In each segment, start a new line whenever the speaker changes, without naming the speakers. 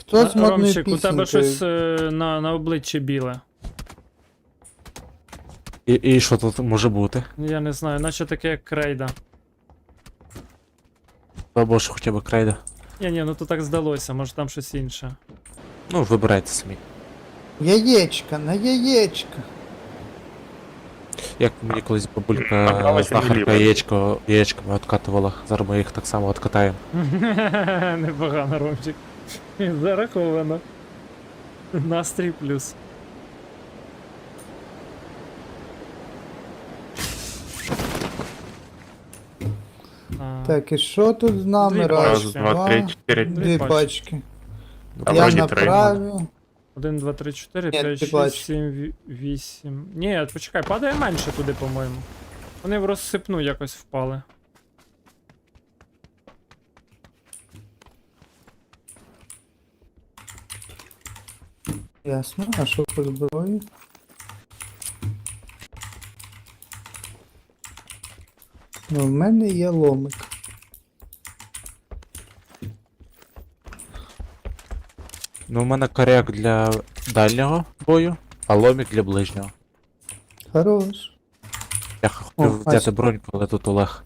Хто з модною
Ромчик, у тебе
пісенькою?
щось на обличчі біле.
І що тут може бути?
Я не знаю, наче таке як крейда.
Або ж хоча б крейда.
Ні, ну то так здалося, може там щось інше.
Ну, вибирайте самі.
Яєчка, на яєчка.
Як мені колись бабулька
Направо чи
знахарка
наліво?
яєчками откатувала. Зараз ми їх так само откатаємо.
Непогано, Ромчик. Зараховано. Настрій плюс.
Так, і що тут з нами?
Дві
Раз,
Раз, два, три, чотири.
дві пачки.
А
Я
вроді
на
три.
праві.
1, 2, 3, 4,
Ні,
5,
ти
6,
бачиш.
7, 8. Ні, почекай, падає менше туди, по-моєму. Вони в розсипну якось впали.
Ясно, а що по зброї? Ну, в мене є ломик.
Ну, у мене коряк для дальнього бою, а ломік для ближнього.
Хорош.
Я хотів
О,
взяти
бачу.
броньку, але тут Олег.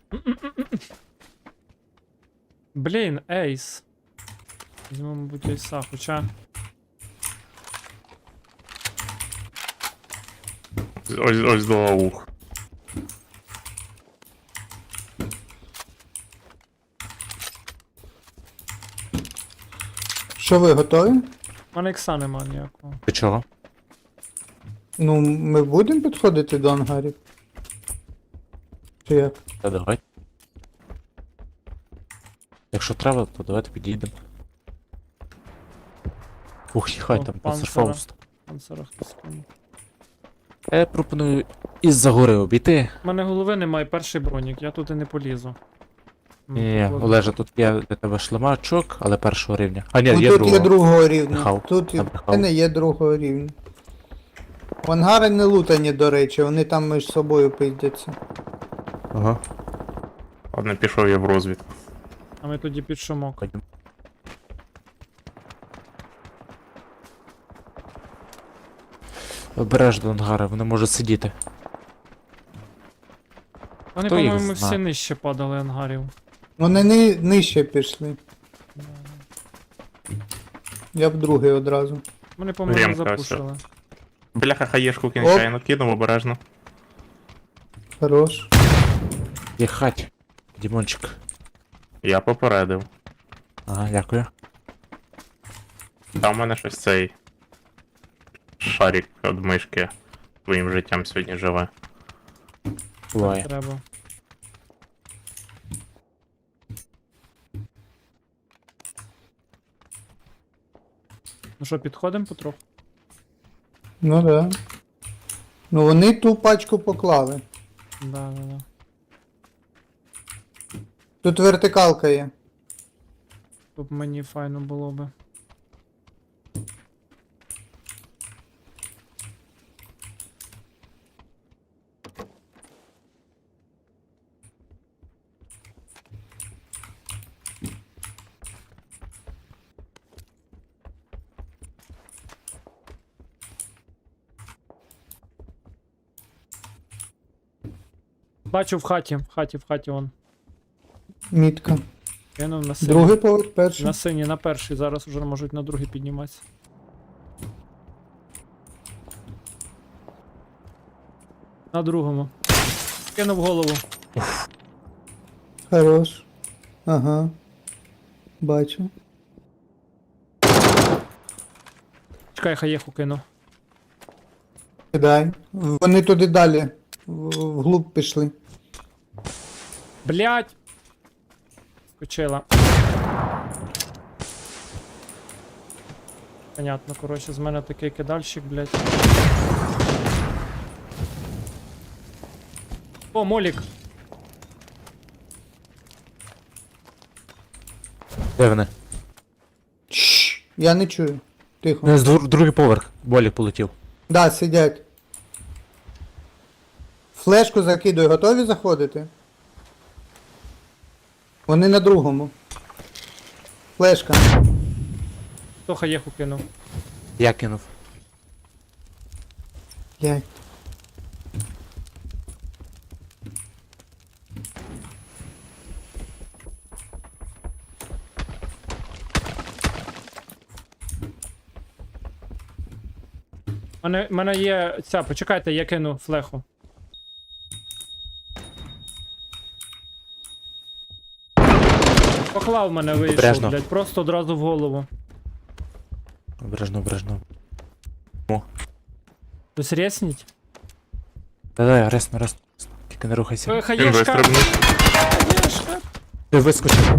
Блін, ейс. Візьмемо, мабуть, ейса, хоча.
Ось до аух.
Що ви готові?
У мене ікса нема ніякого.
Ти чого?
Ну, ми будемо підходити до ангарів? Чи як?
Та давай. Якщо треба, то давайте підійдемо. Ух, їхай
О,
там
панцера.
панцерфауст.
Панцера хтось кинув.
Я пропоную із-за гори обійти.
У мене голови немає, перший бронік, я туди не полізу.
Ні, Олеже, тут є для тебе шлемачок, але першого рівня. А ні,
Ну,
є
тут
другого.
є другого рівня.
Брехав.
Тут і в
Набрехав.
мене є другого рівня. В ангари не лутані, до речі, вони там між собою пиздяться.
Ага.
Ладно, пішов я в розвідку.
А ми тоді під шумок.
Ходім. Обережно ангари, вони можуть сидіти.
Вони,
Хто їх
по-моєму,
зна?
всі нижче падали ангарів.
Вони нижче пішли. Я в другий одразу.
Вони, по-моєму,
Ремка,
запушили.
Бляха, хаєшку
Оп.
кінчайно кинув обережно.
Хорош.
Їхать. Дімончик.
Я попередив.
Ага, дякую.
Та в мене щось цей шарик від мишки своїм життям сьогодні живе.
Буває.
Треба. Ну що, підходимо потроху?
Ну да. Ну вони ту пачку поклали.
Да.
Тут вертикалка є.
Тут мені файно було би. Бачу в хаті он.
Мітка.
Кинув на синій.
Другий поверх, перший.
На синій, на перший, зараз вже можуть на другий підніматися. На другому. Кинув голову.
Хорош. Ага. Бачу.
Чекай, хаєху кину.
Кидай. Вони туди далі. Вглуб пішли.
Блять! Скочила. Понятно, коротше, з мене такий кидальщик, блять. О, молік!
Де вони?
Чш, я не чую. Тихо.
Не, другий поверх. Болік полетів.
Да, сидять. Флешку закидуй, готові заходити? Вони на другому. Флешка.
Хто хаєху кинув?
Я кинув.
Я...
Мене є ця, почекайте, я кину флеху. Поклав мене вийшов,
Обережно.
блядь, просто одразу в голову.
Обережно, обережно.
Хтось ресніть?
Да-да, ресно. Тільки не рухайся.
Він
Хаєшка!
вистрибнув.
Хаєшка!
Ти вискочив.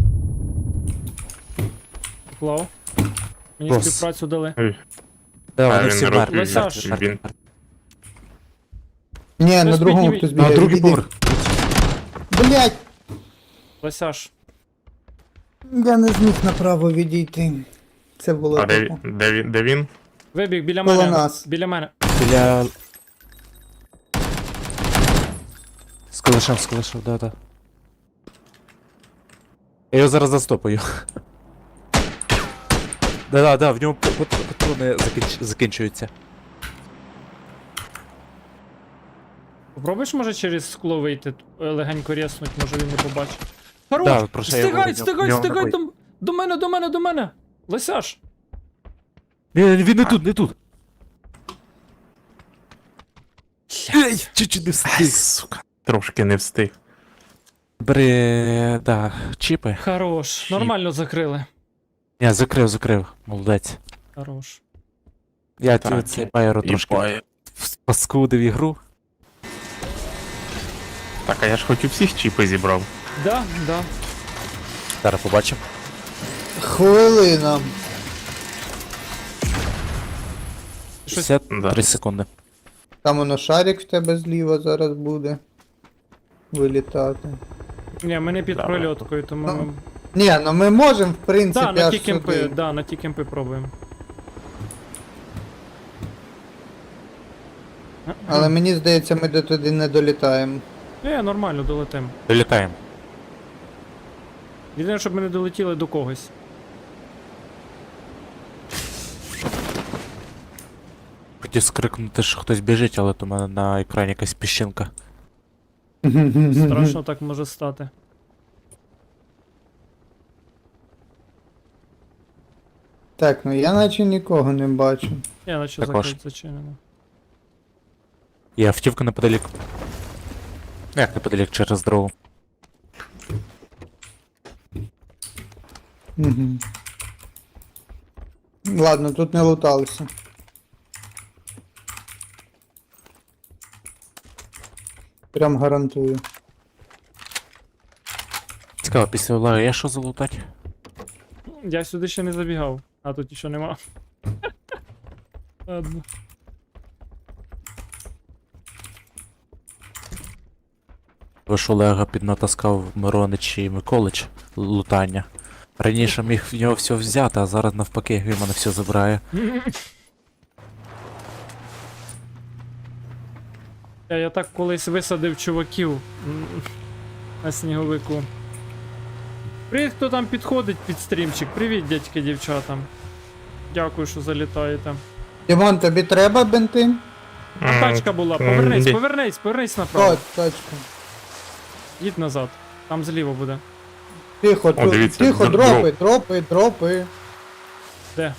Поклав. Мені
Клас.
співпрацю дали.
Да,
А,
вони
він
всі
не
мертві.
розповідав,
мертві,
що
мертві,
він-
мертві.
Ні, на
Хтось
другому
підніміть.
хтось
На
бігає.
другий
Відійди.
поверх.
Блять!
Лосяш.
Я не зміг направо відійти. Це було
А де,
тупо.
де він?
Вибіг біля
Коло
мене.
нас.
Біля мене.
Біля... Скалишав, да. Я його зараз застопаю. Да, в ньому патрони закінчуються.
Попробуєш, може, через скло вийти, легенько резнуть, може він не побачить. Хорош!
Да, про що я говорю,
Стигай,
в нього
стигай,
такий.
до мене! Лосяш!
Ні, він не тут. Чуть-чуть не встиг.
Сука. Трошки не встиг.
Бери, да, чіпи.
Хорош, нормально закрили.
Ні, закрив, молодець.
Хорош.
Я
Так,
цей байеру трошки паскудив ігру.
Так, а я ж хоч у всіх чіпи зібрав.
Да.
Зараз побачимо.
Хвилина.
Щось-
53
Да.
секунди.
Там воно шарик в тебе зліва зараз буде. Вилітати.
Ні, ми не під
Давай.
прольоткою, тому
Ну,
ми...
Ні, ну ми можемо, в принципі,
Да, на
аж
ті кемпи,
сюди.
да, на ті кемпи пробуємо.
Але мені здається, ми до туди не долітаємо.
Нормально, долетим.
Долітаємо.
Єдине, щоб ми не долетіли до когось.
Хотів скрикнути, що хтось біжить, але то в мене на екрані якась піщинка.
Страшно так може стати.
Так, ну я наче нікого не бачу.
Я наче
Також.
закрить зачинено.
Є автівка неподалік. Як неподалік через дорогу.
Угу. Ладно, тут не луталися. Прям гарантую.
Цікаво, після Олега є що залутати?
Я сюди ще не забігав, а тут ще нема. Ладно.
Ви ж Олега піднатаскав Миронич і Миколич лутання. Раніше міг в нього все взяти, а зараз навпаки він мене все забирає.
Я так колись висадив чуваків на сніговику. Привіт, хто там підходить під стрімчик. Привіт, дядьки, дівчатам. Дякую, що залітаєте.
Дімон, тобі треба бенти?
А тачка була, повернись направо.
О, тачка.
Їдь назад. Там зліва буде.
Тихо,
О, дивіться,
тихо,
дроп.
дропи.
Де?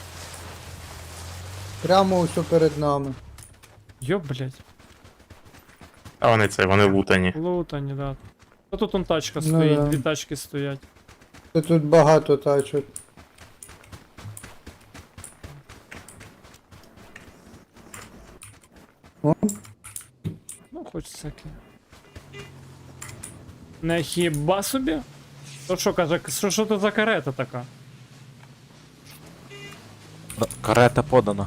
Прямо усьо перед нами.
Йоп, блять.
А вони лутані.
Лутані, да. Та тут он тачка
Ну
стоїть,
да.
дві тачки стоять.
Тут багато тачок. О,
Ну, хоч всяке. Не хіба собі? То що каже, що то за карета така?
Карета подана.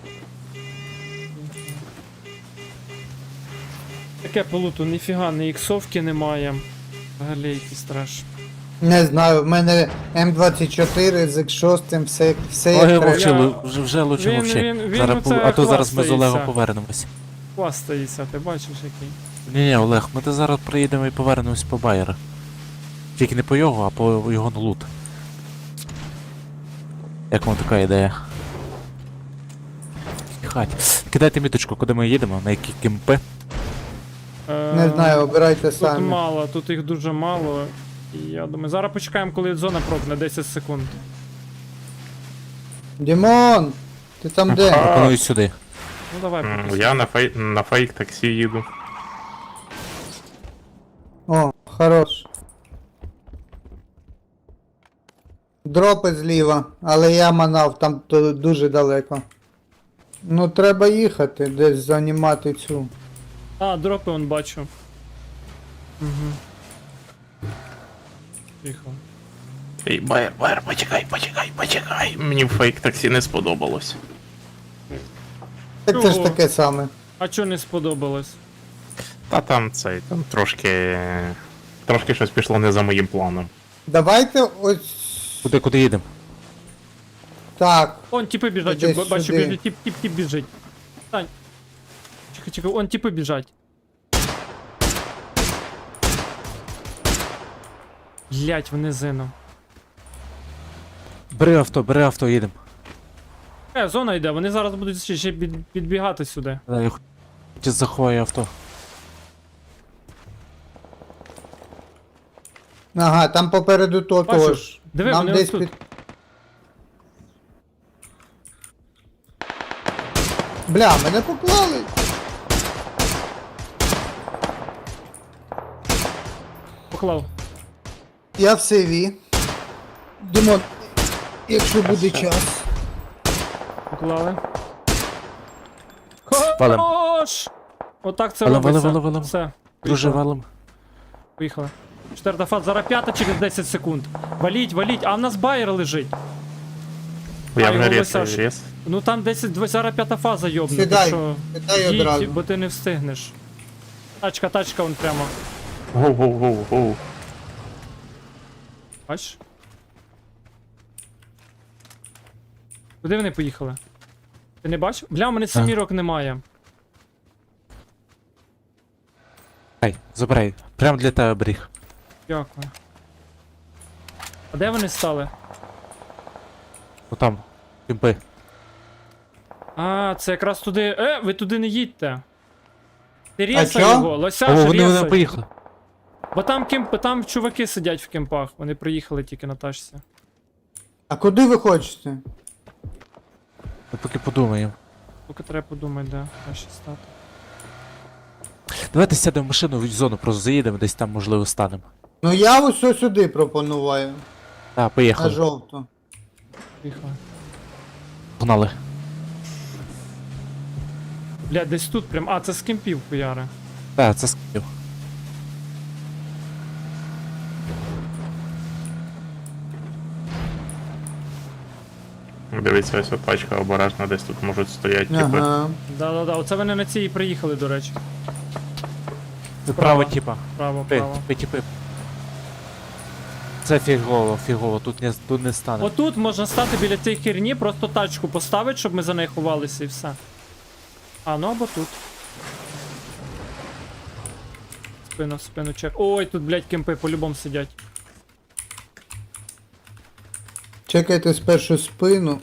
Таке полуту, ніфіга, ні іксовки немає. Взагалі якийсь треш.
не знаю, в мене М24 з X6, все
Ой,
як треба.
мовчи,
Я-
вже лучше
Він-
мовчи.
він
Зараз,
оце
а то зараз ми з Олегом
хвастається.
повернемось.
Хвастається, ти бачиш який.
Ні, Олег, ми то зараз приїдемо і повернемось по Байера. Тільки не по його, а по його лут. Як вам така ідея? хаті. Кидайте міточку, куди ми їдемо, на які кемпи.
Не знаю, обирайте
Тут
самі.
мало, тут їх дуже мало. І я думаю, зараз почекаємо, коли зона прокне 10 секунд.
Дімон! Ти там де?
Пропоную сюди.
Ну давай, поки.
Я на фейк таксі їду.
О, хорош. Дропи зліва, але я манав, там дуже далеко. Ну треба їхати, десь займати цю.
А, дропи он бачу. Угу. Тихо.
Ей, Байер, почекай. Мені в фейк таксі не сподобалось.
Так це ж
Чого?
таке саме.
А чо не сподобалось?
Та там трошки. Трошки щось пішло не за моїм планом.
Давайте ось
Куди їдемо?
так.
Он типи біжать,
Десь
бачу,
сюди.
біжить, тип біжить. Стань. Чекай, он типи біжать. Блять, в низину.
Бери авто, їдемо.
Зона йде, вони зараз будуть ще підбігати сюди.
Я хочу заховаю авто.
Ага, там попереду
Бачу.
того ж.
Диви,
Нам
вони
десь
отут.
під... Бля, мене поклали.
Поклав.
Я в сейві. Димон, якщо буде час.
Поклали.
Валим.
Хорош! Отак це
Валим,
робиться.
валим.
Все.
Друже,
Поїхали.
валом.
Поїхали. Четверта фаза, зараз п'ята через 10 секунд. Валіть, а в нас байер лежить.
Я
його
вже
висаж.
рез.
Ну там 10, зараз п'ята фаза йобне.
Сідай,
що
сідай одразу.
бо ти не встигнеш. Тачка, вон прямо.
Гоу.
Бачиш? Куди вони поїхали? Ти не бачив? Бля, у мене семірок немає.
Забирай. Прям для тебе бріг.
Дякую. А де вони стали?
Отам. Кемпи.
А, це якраз туди. Ви туди не їдьте. Ти рєсай
чо?
його,
О,
лосяш,
вони
рєсай.
поїхали.
Бо там чуваки сидять в кемпах, вони приїхали тільки на тачці.
А куди ви хочете?
Ми поки подумаємо.
Поки треба подумати, де краще стати.
Давайте сядемо в машину, в зону просто заїдемо, десь там можливо станемо.
Ну я ось сюди пропоную.
Так,
На
поїхали.
жовту.
Поїхали.
Погнали.
Бля, десь тут прям. А, це з кемпів хуяри.
Так, це скинув.
Дивіться, ось от пачка обережно десь тут можуть стояти, типи.
Ага.
Да-да-да, оце вони на цій і приїхали, до речі.
Право, типа.
Право,
Типи,
право.
типи. Це фігово, тут не стане.
Отут можна стати біля цієї херні, просто тачку поставити, щоб ми за нею ховалися і все. А, ну або тут. Спину чек. Ой, тут, блядь, кемпи по-любому сидять.
Чекайте спершу спину.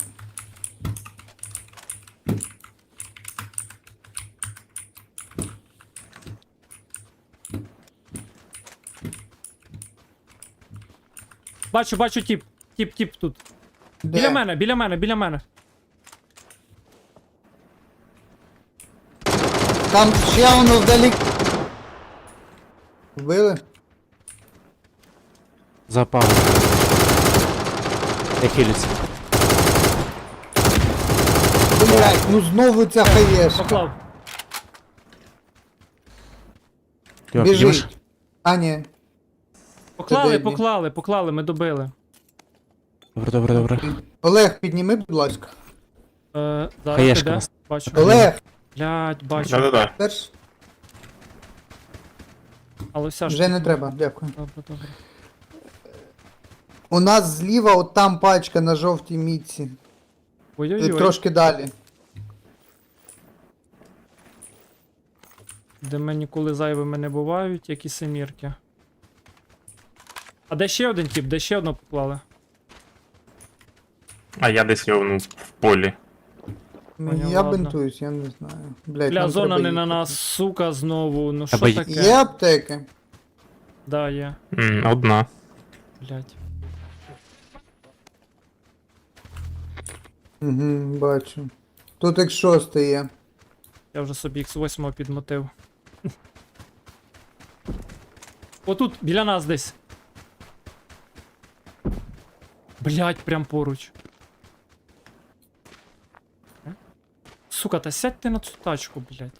Бачу, тіп тут.
Де?
Біля мене.
Там ще воно вдалі. Вбили?
Запав. Я хилюся.
Блять, ну знову ця хаєшка.
Поклав.
Йо, піднімеш?
Біжить. А, ні.
Поклали, ми добили.
Добре.
Олег, підніми, будь ласка.
Зараз
Хаєшка
іде.
нас.
Бачу.
Олег,
Блядь, бачу.
Да-да-да.
теж
Але вся ж.
вже не треба, дякую.
Добре.
У нас зліва от там пачка на жовтій мітці.
Ой-ой-ой.
Трошки далі.
Де ми ніколи зайвими не бувають, як і семірки. А де ще один тип? Де ще одного поклали?
А я десь його в полі.
Поняв,
Я
ладно.
бинтуюсь, я не знаю. Блять,
Бля, зона не на нас, сука, знову. Ну що
Тебе
таке?
Є аптеки?
Да, є.
Одна.
Блять.
Угу, бачу. Тут X6 є.
Я вже собі X8 підмотив. Отут, біля нас десь. Блять, прям поруч. Сука, та сядь ти на цю тачку, блять.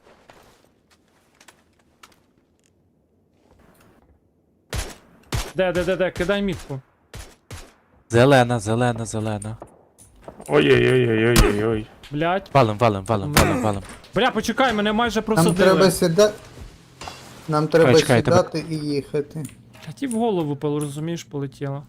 Де, кидай мітку.
Зелена, зелена, зелена.
Ой-ой-ой-ой-ой-ой.
Блять.
Валим, валим, валим, валим, валим.
Бля, почекай, мене майже
Нам
просадили.
треба сідати. Нам треба
Чекай, тебе-
сідати і їхати.
А ті в голову, розумієш, полетіло.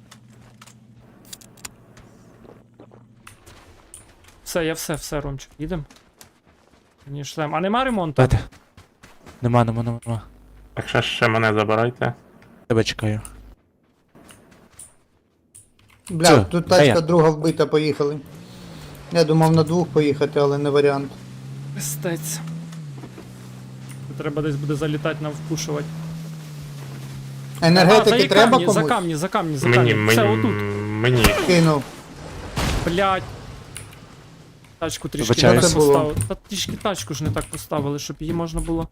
Все, я все, Ромчик, їдем. Ні, шлем. А нема ремонту?
Дайте. Нема.
Так ще мене забирайте.
Тебе чекаю.
Бля,
Все,
тут
де я?
тачка друга вбита, поїхали. Я думав на двох поїхати, але не варіант.
Пистець. Тут треба десь буде залітати нам впушувати.
Енергетики треба комусь?
за камні.
Мені,
Все,
мені,
отут.
мені.
Кинув.
Блять. Тачку трішки не
Вибачаюсь.
так поставили. Та трішки тачку ж не так поставили, щоб її можна було.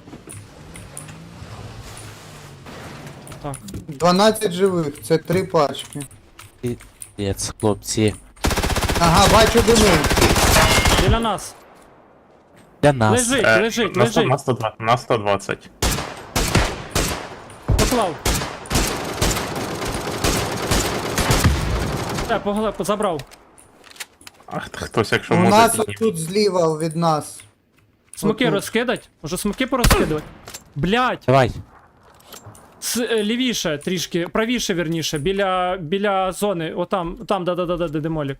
Так.
12 живих, це 3 пачки.
Єц, хлопці.
Ага, бачу дими.
Біля нас.
Для нас.
Лежить.
На 120.
Поклав. Поглеб, забрав.
Ах, хтось, якщо
У
може,
нас
підніме.
тут зліва від нас.
Смоки
Отут.
розкидать? Може смоки порозкидувати? Блять!
Давай.
Лівіше трішки, правіше вірніше, біля зони, отам, да, де демолік.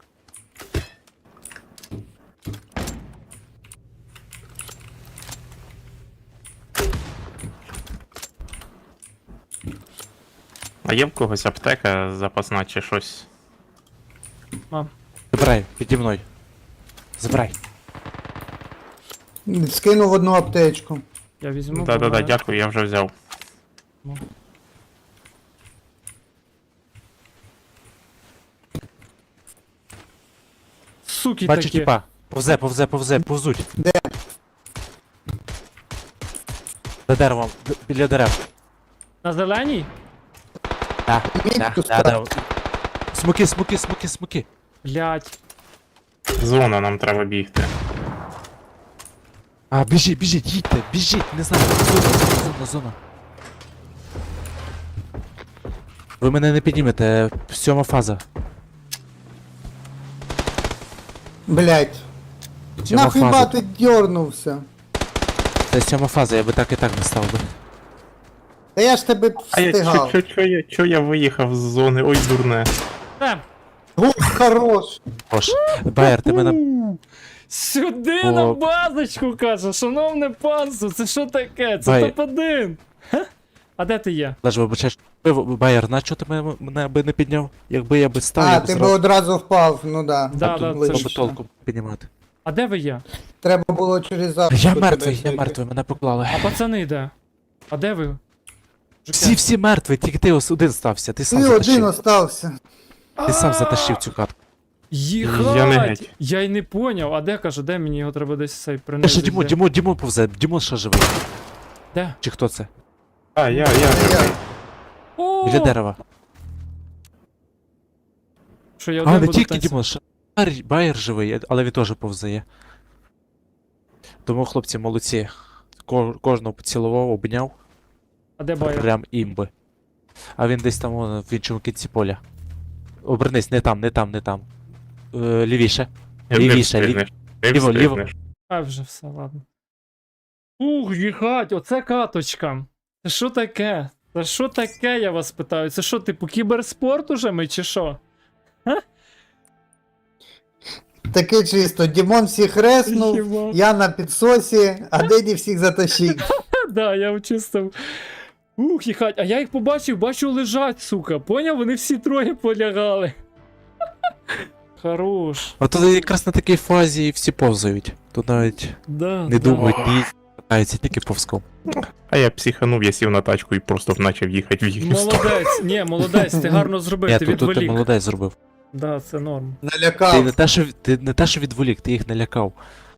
А є в когось аптека запасна чи щось?
Мам.
Забирай, піді мною. Забирай.
Скинув одну аптечку.
Я візьму.
Да-да-да,
буває.
дякую, я вже взяв.
Суки
Бачу
такі.
тіпа. Повзе, повзуть.
Де?
За деревом, біля дерев.
На зеленій?
Так,
Мітку
да. Смоки.
Блять.
Зона, нам треба бігти.
А, біжіть, їдьте, біжіть, не знаю, зона. Ви мене не піднімете, 7 фаза.
Блять.
7
Нахіба
фаза.
ти дьорнувся?
Це 7 фаза, я би так і так не став би.
Та я ж тебе
А я
встигав.
чо я виїхав з зони? Ой, дурне.
Гух, хорош.
Хош. Байер, ти мене...
Сюди
О.
на базочку, каже, шановне панство, це що таке? Це
Бай.
топ-1. А де ти є?
Лежу, вибачаєш. Байер, на чого ти мене би не підняв? Якби я би став,
А,
я б
ти би
зразу
одразу впав, ну да.
Да,
тут
да,
було
це
б
ж-
толку піднімати.
А де ви є?
Треба було через запуск.
Я
тебе
мертвий,
зайти.
мене поклали.
А пацани де? А де ви?
Всі мертві, тільки ти один стався, ти сам
Ти один
затащив.
остався.
Ти сам затащив цю катку.
Їхать!
Я не геть.
Я й не поняв. А де каже, де мені його треба десь цей принести?
Ще Дімон повзе, Дімон ще живий.
Де?
Чи хто це?
А, я.
О!
Біля дерева.
Що я
А,
один
не
буду
тільки
танцювати?
Дімон, ще Байер живий, але він теж повзає. Тому, хлопці, молодці. Кожного поцілував, обняв.
А де Байер?
Прям імби. А він десь там вон, в іншому кінці поля. Обернись, не там. Лівіше. Лівіше, ліво.
А вже все, ладно. Ух, їхать, оце каточка. Це що таке? Це що таке, я вас питаю? Це що, типу, кіберспорт уже ми чи що?
Таке чисто. Дімон всіх реснув,
Єба.
я на підсосі, а Деді всіх затащив.
Да, я вчистив. Ух, їхать. А я їх побачив, бачу лежать, сука. Поняв? Вони всі троє полягали. Хорош.
А тут якраз на такій фазі і всі повзають. Тут навіть
Да,
не
да.
думають, ні, катаються тільки повзком.
А я психанув, я сів на тачку і просто почав їхати в їхню сторону.
Молодець, ні, молодець, ти гарно зробив,
Ні,
ти
тут ти
відволік.
молодець зробив.
Да, це норм.
Ти
Налякав.
не те, що відволік, ти їх налякав.